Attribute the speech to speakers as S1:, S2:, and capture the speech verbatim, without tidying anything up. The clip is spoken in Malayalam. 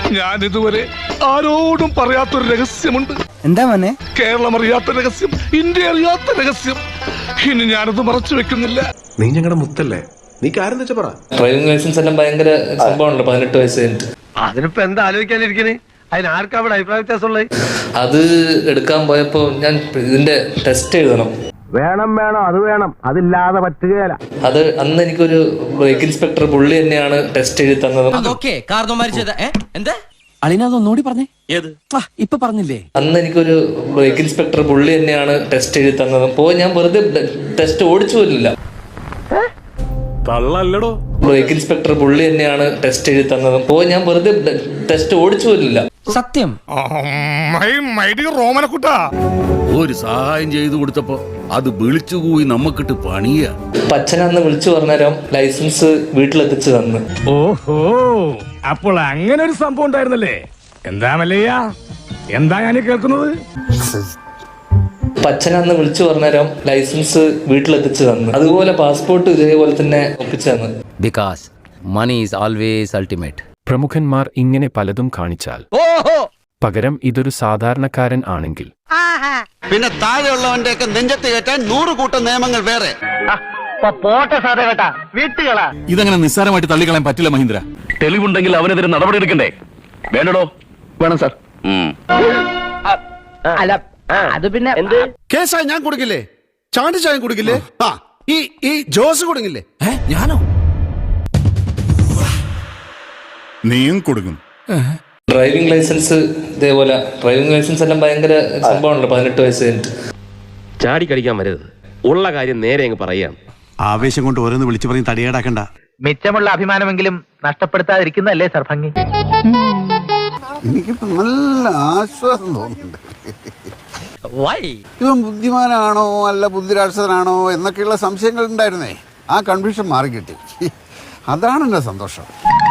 S1: ഞാൻ ഇതുവരെ ആരോടും പറയാത്തൊരു രഹസ്യമുണ്ട്.
S2: എന്താ മോനെ?
S1: കേരളം അറിയാത്ത രഹസ്യം, ഇന്ത്യ അറിയാത്ത രഹസ്യം. ഇനി ഞാനത് മറച്ചു വെക്കുന്നില്ല.
S3: നീ ഞങ്ങളുടെ മുത്തല്ലേ, നീ കാര്യം വെച്ചാ പറ.
S4: ഡ്രൈവിംഗ് ലൈസൻസ് എല്ലാം ഭയങ്കര സംഭവമാണല്ലോ, പതിനെട്ട് വയസ്സ് കഴിഞ്ഞിട്ട്.
S5: അതിനിപ്പോ എന്താ ആലോചിക്കാനിരിക്കണേ? അതിനാർക്കാ അവിടെ അഭിപ്രായ വ്യത്യാസമുള്ളത്?
S4: അത് എടുക്കാൻ പോയപ്പോ ഞാൻ ഇതിന്റെ ടെസ്റ്റ് എഴുതണം.
S5: വേണം വേണം അത് വേണം, അതില്ലാതെ പറ്റുകയല്ല.
S4: അത് അന്ന് എനിക്കൊരു ബ്രേക്ക് ഇൻസ്പെക്ടർ പുള്ളി തന്നെയാണ് ടെസ്റ്റ് എഴുതി തന്നത്.
S2: അളിനൊന്നുകൂടി പറഞ്ഞേ. ഇപ്പൊ പറഞ്ഞില്ലേ?
S4: അന്ന് എനിക്കൊരു ബ്രേക്ക് ഇൻസ്പെക്ടർ പുള്ളി തന്നെയാണ് ടെസ്റ്റ് എഴുതി തന്നത്. അപ്പോ ഞാൻ വെറുതെ ടെസ്റ്റ് ഓടിച്ചു പോലില്ല.
S3: തള്ളല്ലടോ.
S4: ബ്രേക്ക് ഇൻസ്പെക്ടർ പുള്ളി തന്നെയാണ് ടെസ്റ്റ് എഴുതി തന്നത്. അപ്പോ ഞാൻ വെറുതെ ടെസ്റ്റ് ഓടിച്ചു പോലില്ല.
S2: സത്യം.
S1: റോമനക്കുട്ടാ
S6: ഒരു സഹായം ചെയ്തു കൊടുത്തപ്പോ അത് വിളിച്ചുകൂയി നമ്മക്കിട്ട് പണിയ.
S4: അച്ഛനന്ന് വിളിച്ചു പറഞ്ഞേരം ലൈസൻസ് വീട്ടിലെത്തിച്ചു തന്ന്.
S1: ഓഹോ, അപ്പോൾ അങ്ങനെ ഒരു സംഭവം ഉണ്ടായിരുന്നല്ലേ? എന്താ മല്ലയ്യ, എന്താ ഞാൻ കേൾക്കുന്നത്?
S4: അച്ഛനന്ന് വിളിച്ചു പറഞ്ഞേരം ലൈസൻസ് വീട്ടിലെത്തിച്ചു തന്നു. അതുപോലെ പാസ്പോർട്ട് ഇതേപോലെ തന്നെ ഒപ്പിച്ചു തന്നു.
S7: Because money is always ultimate.
S8: പ്രമുഖന്മാർ ഇങ്ങനെ പലതും കാണിച്ചാൽ പകരം ഇതൊരു സാധാരണക്കാരൻ ആണെങ്കിൽ
S9: പിന്നെ താഴെയുള്ളവന്റെ ഒക്കെ നെഞ്ചത്ത് കയറ്റാൻ നൂറ് കൂട്ടം നിയമങ്ങൾ വേറെ.
S5: പോട്ടെ സാറേ കേട്ടാ, വീട്ടുകളാ.
S6: ഇതങ്ങനെ നിസ്സാരമായിട്ട് തള്ളിക്കളയാൻ പറ്റില്ല മഹീന്ദ്ര.
S3: തെളിവുണ്ടെങ്കിൽ അവനെതിരെ നടപടി എടുക്കണ്ടേ? വേണ്ടടോ. വേണം സാർ.
S2: അല്ല അത് പിന്നെ
S9: കേസായി ഞാൻ കൊടുക്കില്ലേ? ചാണ്ടി ചായം കൊടുക്കില്ലേ? ആ ഈ ഈ ജോസ് കൊടുക്കില്ലേ?
S6: ഞാനോ?
S10: നീയും കൊടുക്കും.
S4: ഡ്രൈവിംഗ് ലൈസൻസ് ഇതേപോലെ ഡ്രൈവിംഗ് ലൈസൻസ് എല്ലാം ഭയങ്കര സംഭവമാണല്ലോ, പതിനെട്ട് വയസ്സ് കഴിഞ്ഞിട്ട്.
S3: ചാടി കടിക്കാൻ വരരുത്, ഉള്ള കാര്യം നേരെ അങ്ങ് പറയാം.
S9: ആവേശം കൊണ്ട് ഓരോന്ന് വിളിച്ചു പറഞ്ഞ് തടിയേടാക്കണ്ട.
S5: മിച്ചമുള്ള അഭിമാനമെങ്കിലും നഷ്ടപ്പെടുത്താതിരിക്കുന്നതല്ലേ സർ ഭംഗി.
S9: എനിക്കിപ്പോ നല്ല ആശ്വാസം തോന്നുന്നുണ്ട്. ഇവൻ ബുദ്ധിമാനാണോ അല്ല ബുദ്ധിരാക്ഷസനാണോ എന്നൊക്കെയുള്ള സംശയങ്ങൾ ഉണ്ടായിരുന്നേ. ആ കൺഫ്യൂഷൻ മാറി കിട്ടി. അതാണ് എന്റെ സന്തോഷം.